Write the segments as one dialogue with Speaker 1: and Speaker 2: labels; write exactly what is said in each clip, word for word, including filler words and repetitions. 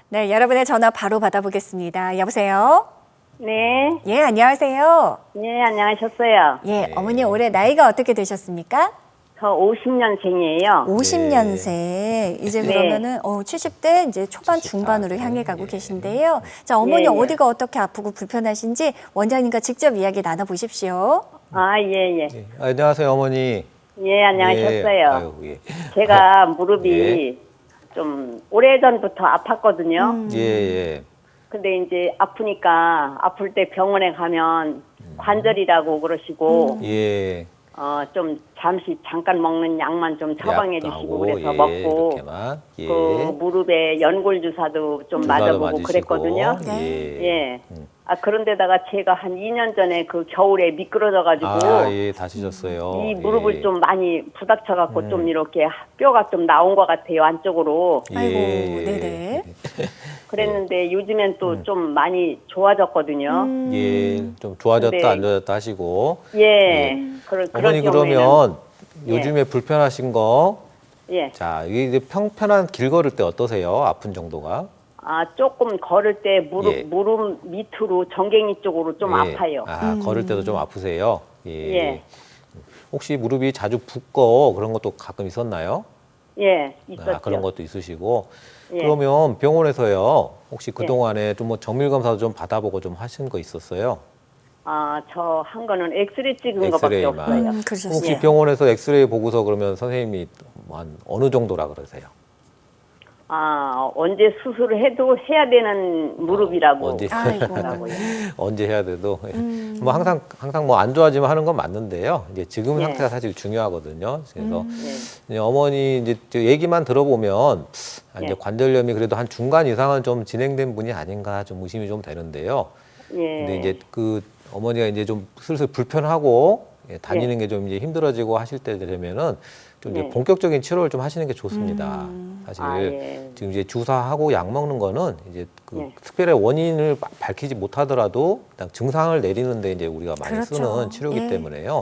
Speaker 1: 네, 여러분의 전화 바로 받아보겠습니다. 여보세요?
Speaker 2: 네.
Speaker 1: 예, 안녕하세요.
Speaker 2: 네, 안녕하셨어요.
Speaker 1: 예,
Speaker 3: 네.
Speaker 1: 어머니 올해 나이가 어떻게 되셨습니까?
Speaker 2: 저 오십 년생이에요.
Speaker 1: 오십 년생. 이제
Speaker 2: 네.
Speaker 1: 그러면은 어, 칠십 대 이제 초반
Speaker 3: 칠십 대.
Speaker 1: 중반으로
Speaker 3: 네.
Speaker 1: 향해 가고
Speaker 3: 예.
Speaker 1: 계신데요. 자, 어머니
Speaker 2: 예, 예.
Speaker 1: 어디가 어떻게 아프고 불편하신지 원장님과 직접 이야기 나눠 보십시오.
Speaker 2: 아, 예, 예.
Speaker 3: 예. 안녕하세요, 어머니.
Speaker 2: 예, 안녕하셨어요.
Speaker 3: 예. 아유, 예.
Speaker 2: 제가 무릎이
Speaker 3: 예.
Speaker 2: 좀 오래전부터 아팠거든요.
Speaker 1: 음.
Speaker 3: 예, 예.
Speaker 2: 근데 이제 아프니까 아플 때 병원에 가면 관절이라고 그러시고
Speaker 3: 예.
Speaker 2: 어, 좀 잠시 잠깐 먹는 약만 좀 처방해
Speaker 3: 약도
Speaker 2: 주시고
Speaker 3: 하고,
Speaker 2: 그래서
Speaker 3: 예,
Speaker 2: 먹고
Speaker 3: 이렇게만. 예.
Speaker 2: 그 무릎에 연골 주사도 좀
Speaker 3: 주사도
Speaker 2: 맞아보고
Speaker 3: 맞으시고.
Speaker 2: 그랬거든요.
Speaker 3: 예.
Speaker 2: 예.
Speaker 3: 음.
Speaker 2: 아, 그런데다가 제가 한 이 년 전에 그 겨울에 미끄러져가지고
Speaker 3: 아, 예, 다치셨어요.
Speaker 2: 이 무릎을
Speaker 3: 예.
Speaker 2: 좀 많이 부닥쳐갖고
Speaker 3: 음.
Speaker 2: 좀 이렇게 뼈가 좀 나온 것 같아요, 안쪽으로.
Speaker 1: 아이고,
Speaker 3: 예.
Speaker 1: 네네.
Speaker 2: 그랬는데 요즘엔 또 좀 많이 좋아졌거든요.
Speaker 1: 음.
Speaker 3: 예, 좀 좋아졌다
Speaker 2: 근데-
Speaker 3: 안 좋아졌다 하시고.
Speaker 2: 예. 그런,
Speaker 3: 어머니
Speaker 2: 그런 경우에는
Speaker 3: 그러면
Speaker 2: 예.
Speaker 3: 요즘에 불편하신 거,
Speaker 2: 예.
Speaker 3: 자, 이게 이제 평편한 길 걸을 때 어떠세요? 아픈 정도가?
Speaker 2: 아, 조금 걸을 때 무릎,
Speaker 3: 예.
Speaker 2: 무릎 밑으로 정갱이 쪽으로 좀
Speaker 3: 예.
Speaker 2: 아파요.
Speaker 3: 아, 걸을 때도 좀 아프세요? 예.
Speaker 2: 예.
Speaker 3: 혹시 무릎이 자주 붓고 그런 것도 가끔 있었나요?
Speaker 2: 예, 있었죠.
Speaker 3: 아, 그런 것도 있으시고.
Speaker 2: 예.
Speaker 3: 그러면 병원에서요, 혹시 그동안에 좀 뭐 정밀 검사도 좀 받아보고 좀 하신 거 있었어요?
Speaker 2: 아, 저 한 거는 엑스레이 찍은 거밖에
Speaker 3: 엑스레이만.
Speaker 2: 없어요.
Speaker 1: 음, 그러셨어요.
Speaker 3: 혹시
Speaker 2: 예.
Speaker 3: 병원에서 엑스레이 보고서 그러면 선생님이 한 어느 정도라 그러세요?
Speaker 2: 아, 언제 수술을 해도 해야 되는 무릎이라고.
Speaker 3: 언제?
Speaker 1: 아이고.
Speaker 2: 하더라고요.
Speaker 3: 언제 해야 돼도
Speaker 1: 음.
Speaker 3: 뭐 항상 항상 뭐 안 좋아지면 하는 건 맞는데요. 이제 지금
Speaker 2: 예.
Speaker 3: 상태가 사실 중요하거든요. 그래서
Speaker 1: 음.
Speaker 2: 네.
Speaker 3: 이제 어머니 이제 저 얘기만 들어보면 아, 이제
Speaker 2: 예.
Speaker 3: 관절염이 그래도 한 중간 이상은 좀 진행된 분이 아닌가 좀 의심이 좀 되는데요.
Speaker 2: 예.
Speaker 3: 근데 이제 그 어머니가 이제 좀 슬슬 불편하고 예, 다니는 게 좀 이제 힘들어지고 하실 때 되면은 좀 이제
Speaker 2: 네.
Speaker 3: 본격적인 치료를 좀 하시는 게 좋습니다.
Speaker 1: 음.
Speaker 3: 사실
Speaker 2: 아, 예.
Speaker 3: 지금 이제 주사하고 약 먹는 거는 이제 그
Speaker 2: 네.
Speaker 3: 특별히 원인을 바- 밝히지 못하더라도 그냥 증상을 내리는데 이제 우리가 많이
Speaker 1: 그렇죠.
Speaker 3: 쓰는 치료이기
Speaker 1: 예.
Speaker 3: 때문에요.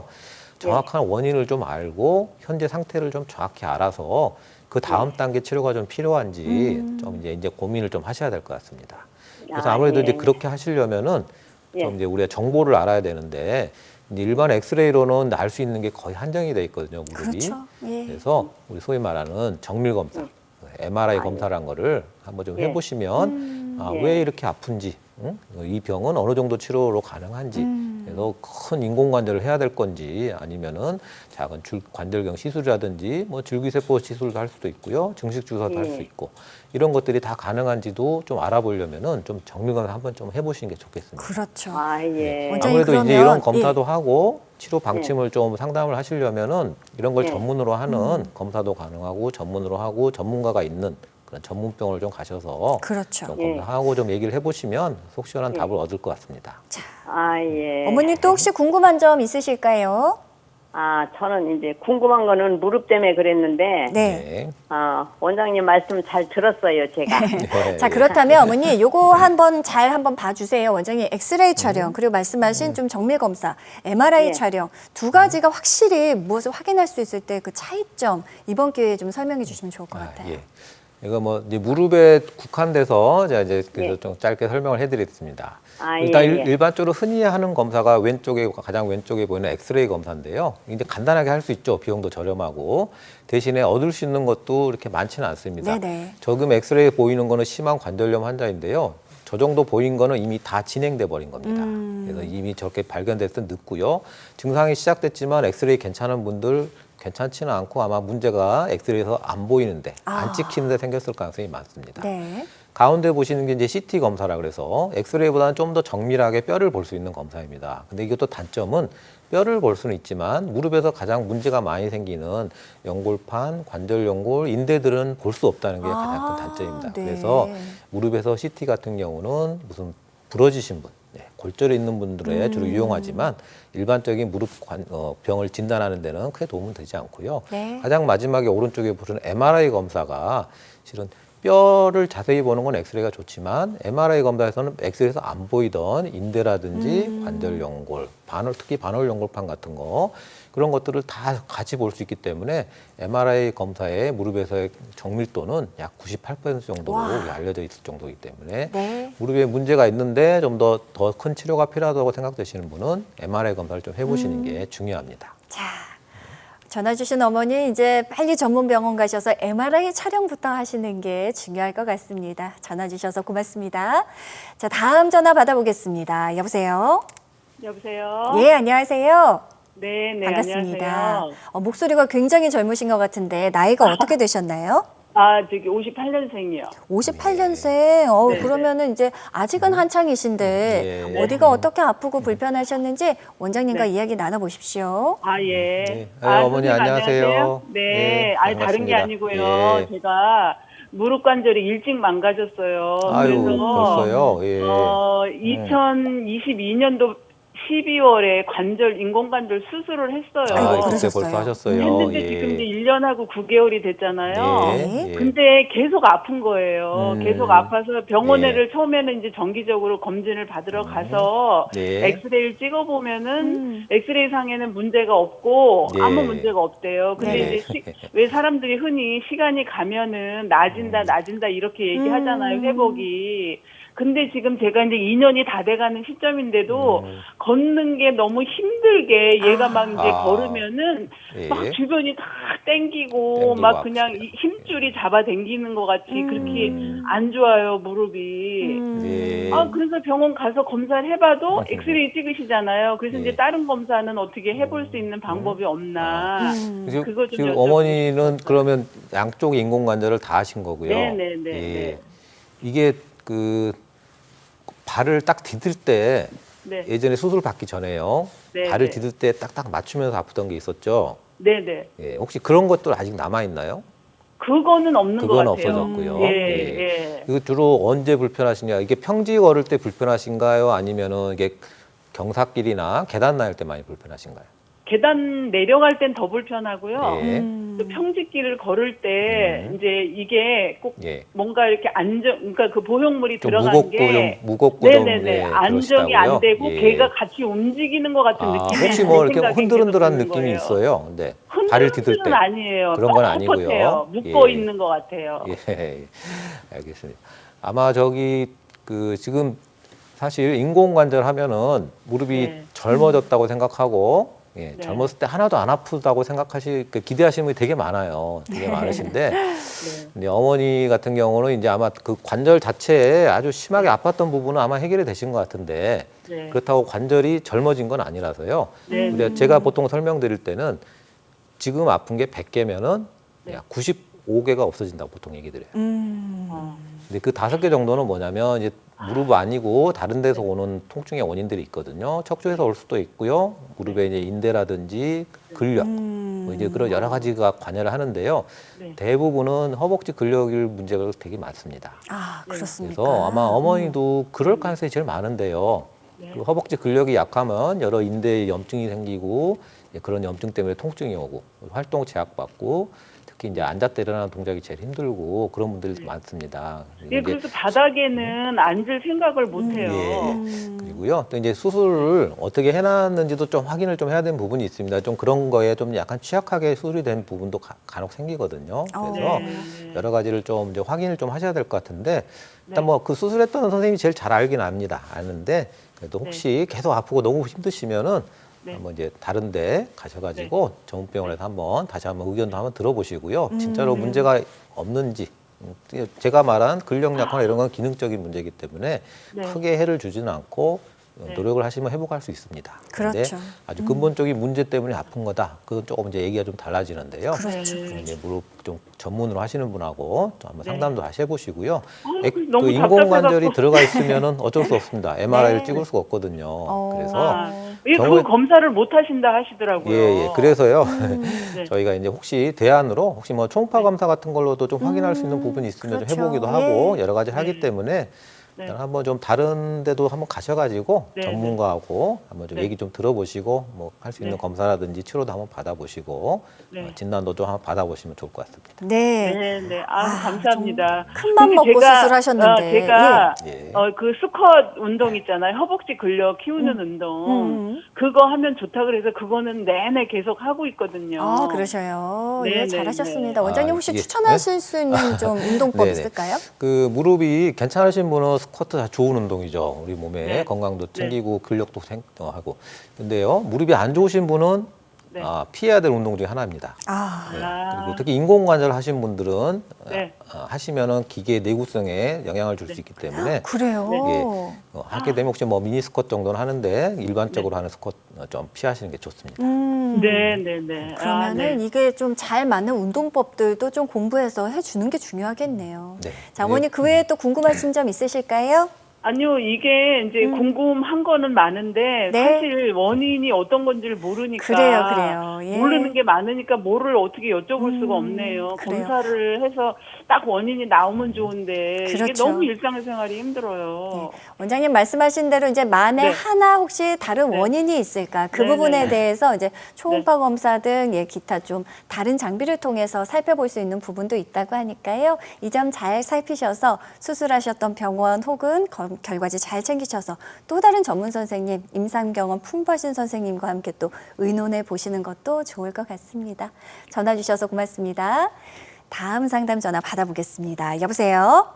Speaker 3: 정확한 원인을 좀 알고 현재 상태를 좀 정확히 알아서 그 다음 단계 치료가 좀 필요한지
Speaker 1: 음.
Speaker 3: 좀 이제 이제 고민을 좀 하셔야 될 것 같습니다. 그래서
Speaker 2: 아,
Speaker 3: 아무래도
Speaker 2: 예.
Speaker 3: 이제 그렇게 하시려면은
Speaker 2: 예.
Speaker 3: 좀 이제 우리가 정보를 알아야 되는데 이제 일반 엑스레이로는 알 수 있는 게 거의 한정이 돼 있거든요, 무릎이.
Speaker 1: 그렇죠. 예.
Speaker 3: 그래서 우리 소위 말하는 정밀 검사, 엠알아이
Speaker 2: 아,
Speaker 3: 검사란 거를 한번 좀
Speaker 2: 예.
Speaker 3: 해보시면
Speaker 1: 음.
Speaker 3: 아,
Speaker 2: 예.
Speaker 3: 왜 이렇게 아픈지, 응? 이 병은 어느 정도 치료로 가능한지,
Speaker 1: 음.
Speaker 3: 그래서 큰 인공관절을 해야 될 건지 아니면은 작은 줄, 관절경 시술이라든지 뭐 줄기세포 시술도 할 수도 있고요, 증식 주사도 할 수
Speaker 2: 예.
Speaker 3: 있고 이런 것들이 다 가능한지도 좀 알아보려면은 좀 정밀 검사 한번 좀 해보시는 게 좋겠습니다.
Speaker 1: 그렇죠.
Speaker 2: 아, 예.
Speaker 1: 원장님,
Speaker 3: 아무래도 이제
Speaker 1: 그러면-
Speaker 3: 이런 검사도 하고 치료 방침을
Speaker 2: 예.
Speaker 3: 좀 상담을 하시려면은 이런 걸
Speaker 2: 예.
Speaker 3: 전문으로 하는
Speaker 1: 음.
Speaker 3: 검사도 가능하고 전문으로 하고 전문가가 있는 그런 전문병원을 좀 가셔서
Speaker 1: 그렇죠.
Speaker 3: 좀
Speaker 2: 예.
Speaker 3: 검사하고 좀 얘기를 해보시면 속 시원한
Speaker 2: 예.
Speaker 3: 답을 얻을 것 같습니다.
Speaker 2: 아, 예.
Speaker 1: 어머니 또 혹시 궁금한 점 있으실까요?
Speaker 2: 아, 저는 이제 궁금한 거는 무릎 때문에 그랬는데,
Speaker 1: 네.
Speaker 2: 아, 원장님 말씀 잘 들었어요, 제가.
Speaker 3: 네.
Speaker 1: 자, 그렇다면 어머니 요거 한번 잘 한번 봐주세요. 원장님 엑스레이
Speaker 3: 음.
Speaker 1: 촬영 그리고 말씀하신 좀 정밀 검사, 엠알아이
Speaker 2: 예.
Speaker 1: 촬영 두 가지가 확실히 무엇을 확인할 수 있을 때 그 차이점 이번 기회에 좀 설명해 주시면 좋을 것
Speaker 3: 아,
Speaker 1: 같아요.
Speaker 3: 예. 이거 뭐 이제 무릎에 국한돼서 제가 이제 그래서
Speaker 2: 예.
Speaker 3: 좀 짧게 설명을 해드리겠습니다.
Speaker 2: 아,
Speaker 3: 일단
Speaker 2: 예,
Speaker 3: 일-
Speaker 2: 예.
Speaker 3: 일반적으로 흔히 하는 검사가 왼쪽에 가장 왼쪽에 보이는 엑스레이 검사인데요. 이제 간단하게 할 수 있죠. 비용도 저렴하고 대신에 얻을 수 있는 것도 이렇게 많지는 않습니다.
Speaker 1: 네네.
Speaker 3: 저금 엑스레이 보이는 거는 심한 관절염 환자인데요. 저 정도 보인 거는 이미 다 진행돼 버린 겁니다.
Speaker 1: 음.
Speaker 3: 그래서 이미 저렇게 발견됐을 때 늦고요. 증상이 시작됐지만 엑스레이 괜찮은 분들 괜찮지는 않고 아마 문제가 엑스레이에서 안 보이는데
Speaker 1: 아.
Speaker 3: 안 찍히는데 생겼을 가능성이 많습니다.
Speaker 1: 네.
Speaker 3: 가운데 보시는 게 이제 씨티 검사라 그래서 엑스레이보다는 좀 더 정밀하게 뼈를 볼 수 있는 검사입니다. 근데 이것도 단점은 뼈를 볼 수는 있지만 무릎에서 가장 문제가 많이 생기는 연골판, 관절 연골, 인대들은 볼 수 없다는 게 가장
Speaker 1: 아,
Speaker 3: 큰 단점입니다.
Speaker 1: 네.
Speaker 3: 그래서 무릎에서 씨티 같은 경우는 무슨 부러지신 분, 네, 골절이 있는 분들에
Speaker 1: 음.
Speaker 3: 주로 이용하지만 일반적인 무릎 관, 어, 병을 진단하는 데는 크게 도움은 되지 않고요.
Speaker 1: 네.
Speaker 3: 가장 마지막에 오른쪽에 보시는 엠알아이 검사가 실은 뼈를 자세히 보는 건 엑스레이가 좋지만 엠알아이 검사에서는 엑스레이에서 안 보이던 인대라든지
Speaker 1: 음.
Speaker 3: 관절 연골, 반월, 특히 반월 연골판 같은 거 그런 것들을 다 같이 볼 수 있기 때문에 엠알아이 검사의 무릎에서의 정밀도는 약 구십팔 퍼센트 정도로
Speaker 1: 와.
Speaker 3: 알려져 있을 정도이기 때문에
Speaker 1: 네.
Speaker 3: 무릎에 문제가 있는데 좀 더 더 큰 치료가 필요하다고 생각되시는 분은 엠알아이 검사를 좀 해보시는
Speaker 1: 음.
Speaker 3: 게 중요합니다.
Speaker 1: 자, 전화 주신 어머니 이제 빨리 전문 병원 가셔서 엠알아이 촬영부터 하시는 게 중요할 것 같습니다. 전화 주셔서 고맙습니다. 자, 다음 전화 받아보겠습니다. 여보세요?
Speaker 4: 여보세요?
Speaker 1: 예, 안녕하세요.
Speaker 4: 네, 네,
Speaker 1: 반갑습니다.
Speaker 4: 안녕하세요.
Speaker 1: 어, 목소리가 굉장히 젊으신 것 같은데 나이가 어떻게 되셨나요?
Speaker 4: 아, 저기 오십팔 년생이요.
Speaker 1: 오십팔 년생. 어,
Speaker 4: 네,
Speaker 1: 그러면은 이제 아직은 한창이신데
Speaker 3: 예.
Speaker 1: 어디가 어떻게 아프고 불편하셨는지 원장님과
Speaker 4: 네.
Speaker 1: 이야기 나눠보십시오.
Speaker 4: 아, 예.
Speaker 3: 네. 아, 어머니
Speaker 4: 선생님
Speaker 3: 안녕하세요.
Speaker 4: 네,
Speaker 3: 네,
Speaker 4: 아니 다른 게
Speaker 3: 반갑습니다.
Speaker 4: 아니고요.
Speaker 3: 예.
Speaker 4: 제가 무릎 관절이 일찍 망가졌어요.
Speaker 3: 아유,
Speaker 4: 그래서
Speaker 3: 벌써요? 예.
Speaker 4: 어, 이천이십이 년도 십이월에 관절 인공관절 수술을 했어요.
Speaker 3: 아,
Speaker 1: 아이고,
Speaker 3: 그때
Speaker 1: 그러셨어요.
Speaker 3: 벌써 하셨어요.
Speaker 4: 했는데
Speaker 3: 예.
Speaker 4: 지금 이제 일 년하고 구 개월이 됐잖아요.
Speaker 1: 네.
Speaker 3: 예.
Speaker 4: 근데 계속 아픈 거예요.
Speaker 3: 음.
Speaker 4: 계속 아파서 병원에를
Speaker 3: 예.
Speaker 4: 처음에는 이제 정기적으로 검진을 받으러 가서
Speaker 3: 네.
Speaker 4: 엑스레이를 찍어보면은
Speaker 1: 음.
Speaker 4: 엑스레이 상에는 문제가 없고
Speaker 3: 네.
Speaker 4: 아무 문제가 없대요. 근데
Speaker 1: 네.
Speaker 4: 이제 시, 왜 사람들이 흔히 시간이 가면은 나아진다, 나아진다 이렇게 얘기하잖아요.
Speaker 1: 음.
Speaker 4: 회복이. 근데 지금 제가 이제 이 년이 다 돼가는 시점인데도
Speaker 3: 음.
Speaker 4: 걷는 게 너무 힘들게 얘가 막 이제
Speaker 3: 아.
Speaker 4: 걸으면은
Speaker 3: 예.
Speaker 4: 막 주변이 다 땡기고,
Speaker 3: 땡기고
Speaker 4: 막 그냥
Speaker 3: 아프시다.
Speaker 4: 이 힘줄이 잡아 당기는 것 같이
Speaker 1: 음.
Speaker 4: 그렇게 안 좋아요, 무릎이.
Speaker 1: 음.
Speaker 3: 예.
Speaker 4: 아, 그래서 병원 가서 검사를 해봐도
Speaker 3: 음.
Speaker 4: 엑스레이 찍으시잖아요. 그래서
Speaker 3: 예.
Speaker 4: 이제 다른 검사는 어떻게 해볼 수 있는 방법이 없나.
Speaker 1: 음.
Speaker 3: 지금,
Speaker 4: 그거 좀
Speaker 3: 지금
Speaker 4: 여쭤보고
Speaker 3: 어머니는 그러면 양쪽 인공관절을 다 하신 거고요.
Speaker 4: 네네네.
Speaker 3: 예. 이게 그 발을 딱 디딜 때
Speaker 4: 네.
Speaker 3: 예전에 수술 받기 전에요.
Speaker 4: 네,
Speaker 3: 발을
Speaker 4: 네.
Speaker 3: 디딜 때 딱딱 맞추면서 아프던 게 있었죠.
Speaker 4: 네네.
Speaker 3: 예. 혹시 그런 것도 아직 남아 있나요?
Speaker 4: 그거는 없는 것
Speaker 3: 그건
Speaker 4: 같아요.
Speaker 3: 없어졌고요.
Speaker 4: 예,
Speaker 3: 예.
Speaker 4: 예.
Speaker 3: 이거 주로 언제 불편하시냐? 이게 평지 걸을 때 불편하신가요? 아니면은 이게 경사길이나 계단 나일 때 많이 불편하신가요?
Speaker 4: 계단 내려갈 땐 더 불편하고요.
Speaker 3: 예.
Speaker 1: 음.
Speaker 4: 또 평지길을 걸을 때
Speaker 3: 음.
Speaker 4: 이제 이게 꼭
Speaker 3: 예.
Speaker 4: 뭔가 이렇게 안정, 그러니까 그 보형물이
Speaker 3: 좀
Speaker 4: 들어간
Speaker 3: 무겁고
Speaker 4: 게
Speaker 3: 좀 무겁고 좀
Speaker 4: 네네네
Speaker 3: 예,
Speaker 4: 안정이
Speaker 3: 그러시다고요?
Speaker 4: 안 되고
Speaker 3: 예.
Speaker 4: 걔가 같이 움직이는 것 같은
Speaker 3: 아,
Speaker 4: 느낌이
Speaker 3: 혹시
Speaker 4: 제
Speaker 3: 뭐 이렇게
Speaker 4: 생각엔
Speaker 3: 흔들흔들한
Speaker 4: 계속 드는
Speaker 3: 느낌이
Speaker 4: 거예요.
Speaker 3: 있어요? 네. 발을 디딜
Speaker 4: 흔들흔들은
Speaker 3: 때.
Speaker 4: 아니에요.
Speaker 3: 그런 건 아니고요.
Speaker 4: 뻣뻣해요. 묶어
Speaker 3: 예.
Speaker 4: 있는 것 같아요.
Speaker 3: 예, 알겠습니다. 아마 저기 그 지금 사실 인공관절 하면은 무릎이
Speaker 4: 네.
Speaker 3: 젊어졌다고 생각하고 예,
Speaker 4: 네.
Speaker 3: 젊었을 때 하나도 안 아프다고 생각하시 그 기대하시는 분이 되게 많아요. 되게 많으신데
Speaker 4: 네.
Speaker 3: 근데 어머니 같은 경우는 이제 아마 그 관절 자체에 아주 심하게 아팠던 부분은 아마 해결이 되신 것 같은데
Speaker 4: 네.
Speaker 3: 그렇다고 관절이 젊어진 건 아니라서요.
Speaker 4: 네.
Speaker 3: 근데 제가 보통 설명드릴 때는 지금 아픈 게 백 개면은
Speaker 4: 네.
Speaker 3: 구십오 개가 없어진다고 보통 얘기 드려요.
Speaker 1: 음.
Speaker 4: 어.
Speaker 3: 근데 그 다섯 개 정도는 뭐냐면 이제 무릎 아니고 다른 데서 오는 통증의 원인들이 있거든요. 척추에서 올 수도 있고요. 무릎에 이제 인대라든지 근력,
Speaker 1: 음.
Speaker 3: 뭐 이제 그런 여러 가지가 관여를 하는데요.
Speaker 4: 네.
Speaker 3: 대부분은 허벅지 근력일 문제가 되게 많습니다.
Speaker 1: 아, 그렇습니까?
Speaker 3: 그래서 아마 어머니도 그럴 가능성이 제일 많은데요.
Speaker 4: 네.
Speaker 3: 그 허벅지 근력이 약하면 여러 인대에 염증이 생기고 그런 염증 때문에 통증이 오고 활동 제약받고 특히 이제 앉았다 일어나는 동작이 제일 힘들고 그런 분들이 많습니다.
Speaker 4: 예, 그래서 바닥에는 앉을 생각을 못 해요.
Speaker 3: 예.
Speaker 1: 음.
Speaker 3: 그리고요. 또 이제 수술을 어떻게 해놨는지도 좀 확인을 좀 해야 되는 부분이 있습니다. 좀 그런 거에 좀 약간 취약하게 수술이 된 부분도 가, 간혹 생기거든요.
Speaker 1: 어.
Speaker 3: 그래서
Speaker 4: 네.
Speaker 3: 여러 가지를 좀 이제 확인을 좀 하셔야 될 것 같은데 일단
Speaker 4: 네.
Speaker 3: 뭐 그 수술했던 선생님이 제일 잘 알긴 압니다. 아는데 그래도 혹시 계속 아프고 너무 힘드시면은
Speaker 4: 네.
Speaker 3: 한번 이제 다른데 가셔가지고 전문병원에서 한번 다시 한번 의견도 한번 들어보시고요. 진짜로
Speaker 1: 음.
Speaker 3: 문제가 없는지. 음, 제가 말한 근력 약화나 이런 건 기능적인 문제이기 때문에
Speaker 4: 네.
Speaker 3: 크게 해를 주지는 않고
Speaker 4: 네.
Speaker 3: 노력을 하시면 회복할 수 있습니다. 그런데
Speaker 1: 그렇죠.
Speaker 3: 아주 근본적인 문제 때문에 아픈 거다. 그건 조금 이제 얘기가 좀 달라지는데요.
Speaker 1: 그렇죠.
Speaker 4: 네.
Speaker 3: 이제 무릎 좀 전문으로 하시는 분하고 좀 한번
Speaker 4: 네.
Speaker 3: 상담도 다시 해보시고요.
Speaker 4: 아,
Speaker 3: 액-
Speaker 4: 너무
Speaker 3: 그 인공관절이
Speaker 4: 답답해갖고.
Speaker 3: 들어가 있으면은 어쩔 수 없습니다. 엠알아이를
Speaker 1: 네.
Speaker 3: 찍을 수가 없거든요.
Speaker 1: 어.
Speaker 3: 그래서
Speaker 4: 아, 예,
Speaker 3: 경우에-
Speaker 4: 그 검사를 못 하신다 하시더라고요.
Speaker 3: 예, 예. 그래서요.
Speaker 4: 네.
Speaker 3: 저희가 이제 혹시 대안으로 혹시 뭐 초음파 검사 같은 걸로도 좀 확인할 수 있는 부분이 있으면
Speaker 1: 그렇죠.
Speaker 3: 좀 해보기도 하고
Speaker 1: 예.
Speaker 3: 여러 가지 를 하기
Speaker 4: 네.
Speaker 3: 때문에
Speaker 4: 네.
Speaker 3: 일단 한번 좀 다른 데도 한번 가셔가지고
Speaker 4: 네,
Speaker 3: 전문가하고 한번 좀
Speaker 4: 네.
Speaker 3: 얘기 좀 들어보시고 뭐 할 수 있는
Speaker 4: 네.
Speaker 3: 검사라든지 치료도 한번 받아보시고
Speaker 4: 네.
Speaker 3: 어, 진단도 좀 한번 받아보시면 좋을 것 같습니다.
Speaker 1: 네.
Speaker 4: 네, 네. 아,
Speaker 1: 아,
Speaker 4: 감사합니다.
Speaker 1: 큰 맘
Speaker 4: 근데
Speaker 1: 먹고
Speaker 4: 제가,
Speaker 1: 수술하셨는데.
Speaker 4: 어, 제가
Speaker 3: 예. 예.
Speaker 4: 어, 그 수컷 운동 있잖아요. 허벅지 근력 키우는 운동.
Speaker 1: 음.
Speaker 4: 그거 하면 좋다 그래서 그거는 내내 계속 하고 있거든요.
Speaker 1: 아, 그러셔요.
Speaker 4: 네,
Speaker 1: 예,
Speaker 4: 네,
Speaker 1: 잘하셨습니다.
Speaker 3: 네.
Speaker 1: 원장님
Speaker 3: 아,
Speaker 1: 혹시
Speaker 3: 이게-
Speaker 1: 추천하실 수 있는 좀 운동법
Speaker 3: 네네.
Speaker 1: 있을까요?
Speaker 3: 그 무릎이 괜찮으신 분은 스쿼트 다 좋은 운동이죠. 우리 몸에
Speaker 4: 네.
Speaker 3: 건강도
Speaker 4: 네.
Speaker 3: 챙기고 근력도 생- 어, 하고. 근데요, 무릎이 안 좋으신 분은
Speaker 4: 네.
Speaker 3: 아, 피해야 될 운동 중에 하나입니다.
Speaker 1: 아,
Speaker 3: 네.
Speaker 4: 아.
Speaker 3: 그리고 특히 인공관절 하신 분들은
Speaker 4: 네.
Speaker 3: 어, 하시면은 기계 내구성에 영향을 줄 수 있기 때문에
Speaker 1: 그래요.
Speaker 4: 네.
Speaker 3: 예. 어, 하게 되면 혹시 뭐 미니 스쿼트 정도는 하는데 일반적으로
Speaker 4: 네.
Speaker 3: 하는 스쿼트 어, 좀 피하시는 게 좋습니다.
Speaker 1: 음.
Speaker 4: 네, 네, 네. 아,
Speaker 1: 그러면은
Speaker 4: 네.
Speaker 1: 이게 좀 잘 맞는 운동법들도 좀 공부해서 해주는 게 중요하겠네요.
Speaker 3: 네.
Speaker 1: 자, 어머니 그 외에 또 궁금하신 점 있으실까요?
Speaker 4: 아니요, 이게 이제 궁금한 거는 많은데
Speaker 1: 음. 네.
Speaker 4: 사실 원인이 어떤 건지를 모르니까
Speaker 1: 그래요, 그래요. 예.
Speaker 4: 모르는 게 많으니까 뭐를 어떻게 여쭤볼
Speaker 1: 음,
Speaker 4: 수가 없네요.
Speaker 1: 그래요.
Speaker 4: 검사를 해서 딱 원인이 나오면 좋은데 이게
Speaker 1: 그렇죠.
Speaker 4: 너무 일상생활이 힘들어요.
Speaker 1: 원장님 말씀하신 대로 이제 만에
Speaker 4: 네.
Speaker 1: 하나 혹시 다른
Speaker 4: 네.
Speaker 1: 원인이 있을까 그
Speaker 4: 네,
Speaker 1: 부분에
Speaker 4: 네.
Speaker 1: 대해서 이제 초음파 검사 등 예, 기타 좀 다른 장비를 통해서 살펴볼 수 있는 부분도 있다고 하니까요. 이 점 잘 살피셔서 수술하셨던 병원 혹은 검- 결과지 잘 챙기셔서 또 다른 전문 선생님, 임상 경험 풍부하신 선생님과 함께 또 의논해 보시는 것도 좋을 것 같습니다. 전화 주셔서 고맙습니다. 다음 상담 전화 받아보겠습니다. 여보세요?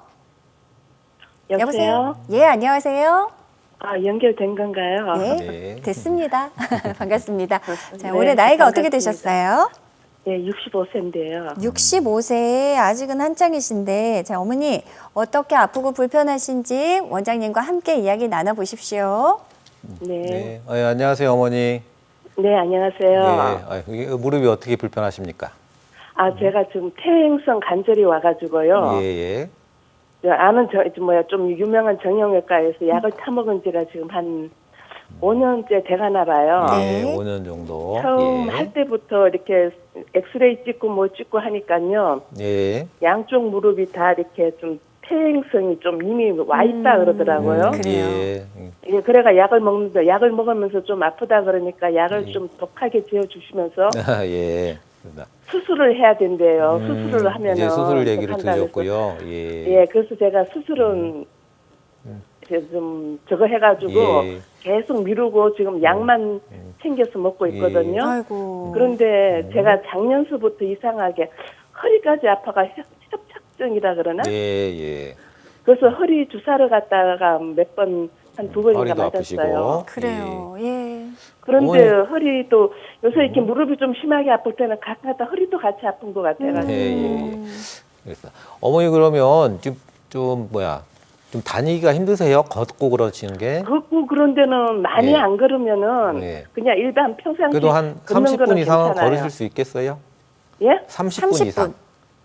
Speaker 2: 여보세요?
Speaker 1: 예, 안녕하세요.
Speaker 2: 아, 연결된 건가요?
Speaker 1: 네,
Speaker 3: 네.
Speaker 1: 됐습니다. 반갑습니다. 자,
Speaker 2: 네,
Speaker 1: 올해 나이가 어떻게
Speaker 2: 반갑습니다.
Speaker 1: 되셨어요?
Speaker 2: 예, 육십오 세인데요.
Speaker 1: 육십오 세, 아직은 한창이신데, 자, 어머니, 어떻게 아프고 불편하신지 원장님과 함께 이야기 나눠보십시오.
Speaker 2: 네. 네,
Speaker 3: 네. 어, 예, 안녕하세요, 어머니.
Speaker 2: 안녕하세요.
Speaker 3: 네. 아, 이게 무릎이 어떻게 불편하십니까?
Speaker 2: 아, 제가 지금 퇴행성 관절이 와가지고요.
Speaker 3: 예, 예.
Speaker 2: 저 아는 저, 저 뭐야, 좀 유명한 정형외과에서 약을 타먹은 지가 지금 한 오 년째 돼가나 봐요.
Speaker 1: 네.
Speaker 3: 예, 오 년 정도.
Speaker 2: 처음
Speaker 3: 예.
Speaker 2: 할 때부터 이렇게 엑스레이 찍고 뭐 찍고 하니까요.
Speaker 3: 예.
Speaker 2: 양쪽 무릎이 다 이렇게 좀 퇴행성이 좀 이미 와 있다 그러더라고요.
Speaker 1: 음, 그래요.
Speaker 3: 예. 음,
Speaker 2: 예, 그래가 약을 먹는데 약을 먹으면서 좀 아프다 그러니까 약을
Speaker 3: 예.
Speaker 2: 좀 독하게 지어 주시면서
Speaker 3: 예. 그렇습니다.
Speaker 2: 수술을 해야 된대요.
Speaker 3: 음,
Speaker 2: 수술을 하면은
Speaker 3: 이제 수술 얘기를
Speaker 2: 한다 그래서.
Speaker 3: 드렸고요. 예.
Speaker 2: 예, 그래서 제가 수술은 이제 좀 저거 해가지고
Speaker 3: 예.
Speaker 2: 계속 미루고 지금 약만 챙겨서 먹고
Speaker 3: 예.
Speaker 2: 있거든요.
Speaker 1: 아이고.
Speaker 2: 그런데 제가 작년서부터 이상하게 허리까지 아파가 협- 협착증이라 그러나?
Speaker 3: 예, 예.
Speaker 2: 그래서 허리 주사를 갔다가 몇 번, 한 두 번인가
Speaker 3: 허리도
Speaker 2: 맞았어요.
Speaker 3: 아프시고.
Speaker 1: 그래요. 예.
Speaker 2: 그런데
Speaker 3: 어머니.
Speaker 2: 허리도 요새 이렇게 무릎이 좀 심하게 아플 때는 가끔가다 허리도 같이 아픈 것 같아가지고.
Speaker 3: 예, 예, 예. 그래서 어머니 그러면 지금 좀 뭐야? 좀 다니기가 힘드세요? 걷고 그러시는 게?
Speaker 2: 걷고 그런 데는 많이
Speaker 3: 예.
Speaker 2: 안 걸으면은
Speaker 3: 예.
Speaker 2: 그냥 일반 평상시
Speaker 3: 그래도 한
Speaker 2: 걷는
Speaker 3: 삼십 분
Speaker 2: 거는
Speaker 3: 이상은
Speaker 2: 괜찮아요.
Speaker 3: 걸으실 수 있겠어요?
Speaker 2: 예?
Speaker 3: 삼십 분
Speaker 1: 삼십
Speaker 3: 이상.
Speaker 1: 분.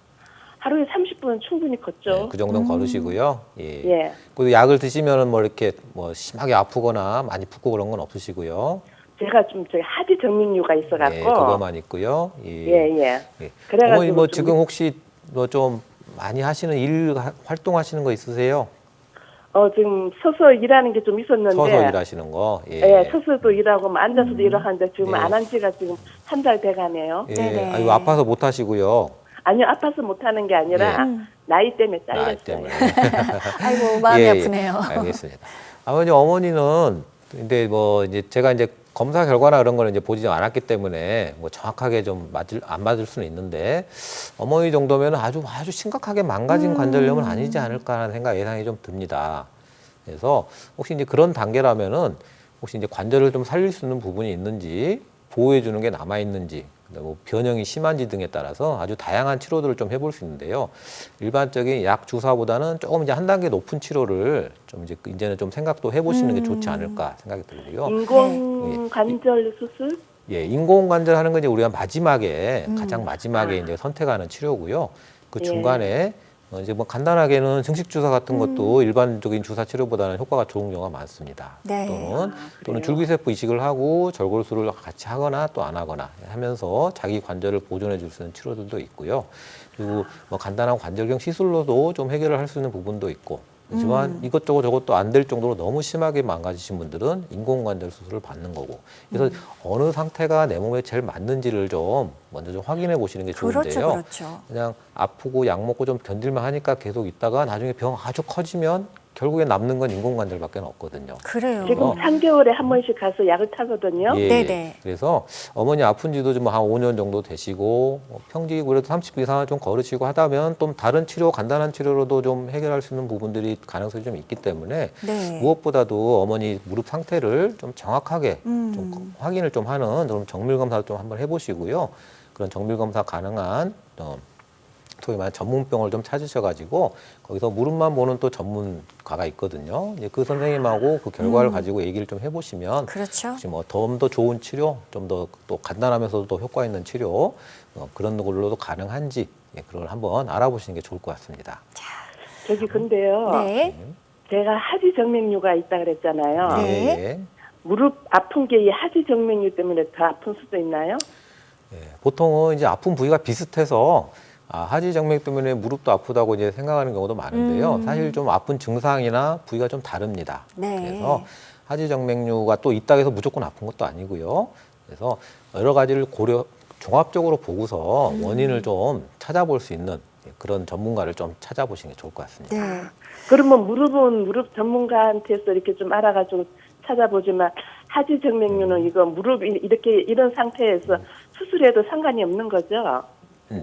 Speaker 2: 하루에 삼십 분은 충분히 걷죠.
Speaker 3: 예, 그 정도는 걸으시고요. 예.
Speaker 2: 예.
Speaker 3: 그리고 약을 드시면은 뭐 이렇게 뭐 심하게 아프거나 많이 붓고 그런 건 없으시고요.
Speaker 2: 제가 좀 저기 하지 정맥류가 있어갖고.
Speaker 3: 예, 그거만 있고요. 예.
Speaker 2: 예, 예.
Speaker 3: 예.
Speaker 2: 그래가지고
Speaker 3: 어머니 뭐
Speaker 2: 좀
Speaker 3: 지금 혹시 뭐 좀 많이 하시는 일 하- 활동하시는 거 있으세요?
Speaker 2: 어, 지금 서서 일하는 게 좀 있었는데.
Speaker 3: 서서 일하시는 거. 예.
Speaker 2: 예, 서서도 일하고 뭐 앉아서도 일하는데 지금
Speaker 3: 예.
Speaker 2: 안 한 지가 지금 한 달 돼가네요.
Speaker 3: 예.
Speaker 1: 네네.
Speaker 3: 아이고 아파서 못 하시고요.
Speaker 2: 아니요, 아파서 못하는 게 아니라
Speaker 3: 예.
Speaker 2: 나이 때문에
Speaker 3: 나이
Speaker 2: 잘렸어요.
Speaker 3: 때문에.
Speaker 1: 아이고, 마음이
Speaker 3: 예, 예.
Speaker 1: 아프네요.
Speaker 3: 알겠습니다. 아버님 어머니는 근데 뭐 이제 제가 이제 검사 결과나 그런 거는 이제 보지 않았기 때문에 뭐 정확하게 좀 맞을 안 맞을 수는 있는데 어머니 정도면 아주 아주 심각하게 망가진 관절염은 아니지 않을까 하는 생각 예상이 좀 듭니다. 그래서 혹시 이제 그런 단계라면은 혹시 이제 관절을 좀 살릴 수 있는 부분이 있는지 보호해 주는 게 남아 있는지 뭐 변형이 심한지 등에 따라서 아주 다양한 치료들을 좀 해볼 수 있는데요. 일반적인 약 주사보다는 조금 이제 한 단계 높은 치료를 좀 이제 이제는 좀 생각도 해보시는 게 좋지 않을까 생각이 들고요.
Speaker 2: 인공 관절 수술?
Speaker 3: 예, 인공관절 하는 건 이제 우리가 마지막에 가장 마지막에 이제 선택하는 치료고요. 그
Speaker 2: 예.
Speaker 3: 중간에 어, 이제 뭐 간단하게는 증식 주사 같은 것도 일반적인 주사 치료보다는 효과가 좋은 경우가 많습니다.
Speaker 1: 네.
Speaker 3: 또는 또는
Speaker 2: 그래요?
Speaker 3: 줄기세포 이식을 하고 절골수를 같이 하거나 또 안 하거나 하면서 자기 관절을 보존해 줄 수 있는 치료들도 있고요. 그리고 뭐 간단한 관절경 시술로도 좀 해결을 할 수 있는 부분도 있고 하지만
Speaker 1: 음.
Speaker 3: 이것저것 저것도 안 될 정도로 너무 심하게 망가지신 분들은 인공관절 수술을 받는 거고. 그래서
Speaker 1: 음.
Speaker 3: 어느 상태가 내 몸에 제일 맞는지를 좀 먼저 좀 확인해 보시는 게 좋은데요.
Speaker 1: 그렇죠, 그렇죠.
Speaker 3: 그냥 아프고 약 먹고 좀 견딜만 하니까 계속 있다가 나중에 병 아주 커지면 결국에 남는 건 인공관절밖에 없거든요.
Speaker 1: 그래요.
Speaker 2: 지금 삼 개월에 한 번씩 가서 약을 타거든요.
Speaker 3: 예,
Speaker 1: 네네.
Speaker 3: 그래서 어머니 아픈 지도 좀 한 오 년 정도 되시고 뭐 평지 그래도 삼십 분 이상은 좀 걸으시고 하다면 좀 다른 치료, 간단한 치료로도 좀 해결할 수 있는 부분들이 가능성이 좀 있기 때문에
Speaker 1: 네.
Speaker 3: 무엇보다도 어머니 무릎 상태를 좀 정확하게
Speaker 1: 음.
Speaker 3: 좀 확인을 좀 하는 그런 정밀 검사를 좀 한번 해보시고요. 그런 정밀 검사 가능한 어, 소위 말하는 전문병을 좀 찾으셔가지고 거기서 무릎만 보는 또 전문가가 있거든요. 이제 그 선생님하고 그 결과를
Speaker 1: 음.
Speaker 3: 가지고 얘기를 좀 해보시면
Speaker 1: 그렇죠.
Speaker 3: 혹시 뭐 좀 더 좋은 치료, 좀 더 또 간단하면서도 또 효과 있는 치료 어, 그런 걸로도 가능한지 예, 그걸 한번 알아보시는 게 좋을 것 같습니다.
Speaker 2: 저기 근데요.
Speaker 1: 네.
Speaker 2: 제가 하지 정맥류가 있다 그랬잖아요.
Speaker 1: 네.
Speaker 3: 예,
Speaker 2: 무릎 아픈 게 이 하지 정맥류 때문에 더 아픈 수도 있나요?
Speaker 3: 예. 보통은 이제 아픈 부위가 비슷해서 아, 하지정맥 때문에 무릎도 아프다고 이제 생각하는 경우도 많은데요.
Speaker 1: 음.
Speaker 3: 사실 좀 아픈 증상이나 부위가 좀 다릅니다.
Speaker 1: 네.
Speaker 3: 그래서 하지정맥류가 또 있다 해서 무조건 아픈 것도 아니고요. 그래서 여러 가지를 고려 종합적으로 보고서
Speaker 1: 음.
Speaker 3: 원인을 좀 찾아볼 수 있는 그런 전문가를 좀 찾아보시는 게 좋을 것 같습니다.
Speaker 1: 네.
Speaker 2: 그러면 무릎은 무릎 전문가한테서 이렇게 좀 알아가지고 찾아보지만 하지 정맥류는 이거 무릎 이- 이렇게 이런 상태에서 수술해도 상관이 없는 거죠?
Speaker 3: 음,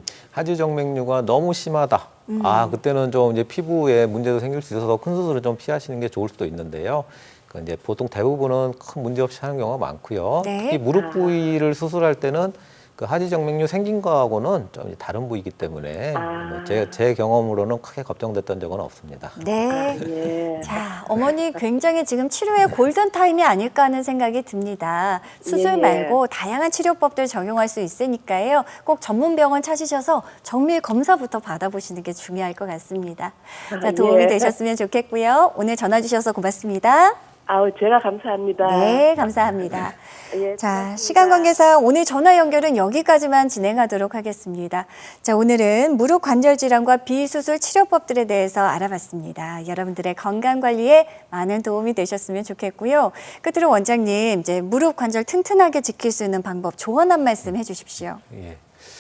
Speaker 3: 하지정맥류가 너무 심하다.
Speaker 1: 음.
Speaker 3: 아, 그때는 좀 이제 피부에 문제도 생길 수 있어서 큰 수술을 좀 피하시는 게 좋을 수도 있는데요. 그 이제 보통 대부분은 큰 문제 없이 하는 경우가 많고요.
Speaker 1: 네.
Speaker 3: 특히 무릎
Speaker 2: 아.
Speaker 3: 부위를 수술할 때는 그 하지정맥류 생긴 거하고는 좀 이제 다른 부위이기 때문에
Speaker 2: 아.
Speaker 3: 뭐 제, 제 경험으로는 크게 걱정됐던 적은 없습니다.
Speaker 1: 네.
Speaker 2: 예.
Speaker 1: 자, 어머니 굉장히 지금 치료의 골든타임이 아닐까 하는 생각이 듭니다. 수술
Speaker 2: 예, 예.
Speaker 1: 말고 다양한 치료법들 적용할 수 있으니까요. 꼭 전문 병원 찾으셔서 정밀 검사부터 받아보시는 게 중요할 것 같습니다. 자, 도움이
Speaker 2: 예.
Speaker 1: 되셨으면 좋겠고요. 오늘 전화 주셔서 고맙습니다.
Speaker 2: 아우 제가 감사합니다.
Speaker 1: 네, 감사합니다.
Speaker 2: 예,
Speaker 1: 자,
Speaker 2: 고맙습니다.
Speaker 1: 시간 관계상 오늘 전화 연결은 여기까지만 진행하도록 하겠습니다. 자, 오늘은 무릎 관절 질환과 비수술 치료법들에 대해서 알아봤습니다. 여러분들의 건강 관리에 많은 도움이 되셨으면 좋겠고요. 끝으로 원장님, 이제 무릎 관절 튼튼하게 지킬 수 있는 방법 조언 한 말씀 해주십시오.
Speaker 3: 예.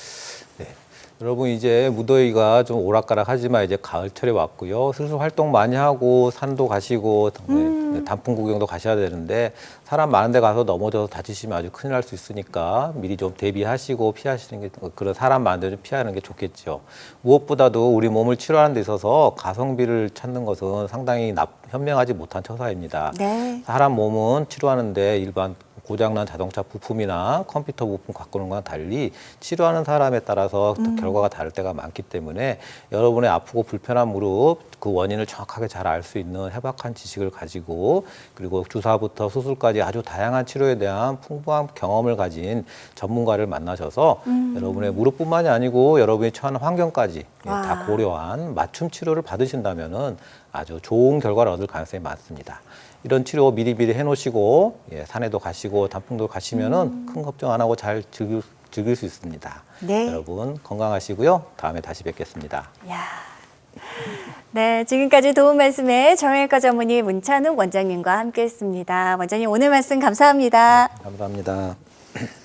Speaker 3: 네. 여러분 이제 무더위가 좀 오락가락하지만 이제 가을철에 왔고요. 슬슬 활동 많이 하고 산도 가시고 네, 단풍 구경도 가셔야 되는데 사람 많은 데 가서 넘어져서 다치시면 아주 큰일 날 수 있으니까 미리 좀 대비하시고 피하시는 게 그런 사람 많은 데 좀 피하는 게 좋겠죠. 무엇보다도 우리 몸을 치료하는 데 있어서 가성비를 찾는 것은 상당히 납, 현명하지 못한 처사입니다.
Speaker 1: 네.
Speaker 3: 사람 몸은 치료하는데 일반 고장난 자동차 부품이나 컴퓨터 부품 갖고 오는 거랑 달리 치료하는 사람에 따라서 또 결과가 다를 때가 많기 때문에 여러분의 아프고 불편한 무릎 그 원인을 정확하게 잘 알 수 있는 해박한 지식을 가지고 그리고 주사부터 수술까지 아주 다양한 치료에 대한 풍부한 경험을 가진 전문가를 만나셔서 여러분의 무릎뿐만이 아니고 여러분이 처한 환경까지 예,
Speaker 1: 와.
Speaker 3: 다 고려한 맞춤 치료를 받으신다면은 아주 좋은 결과를 얻을 가능성이 많습니다. 이런 치료 미리미리 해놓으시고 예, 산에도 가시고 단풍도 가시면은 큰 걱정 안 하고 잘 즐길, 즐길 수 있습니다.
Speaker 1: 네.
Speaker 3: 여러분 건강하시고요. 다음에 다시 뵙겠습니다.
Speaker 1: 야. 네, 지금까지 도움 말씀에 정형외과 전문의 문찬욱 원장님과 함께했습니다. 원장님 오늘 말씀 감사합니다.
Speaker 3: 감사합니다.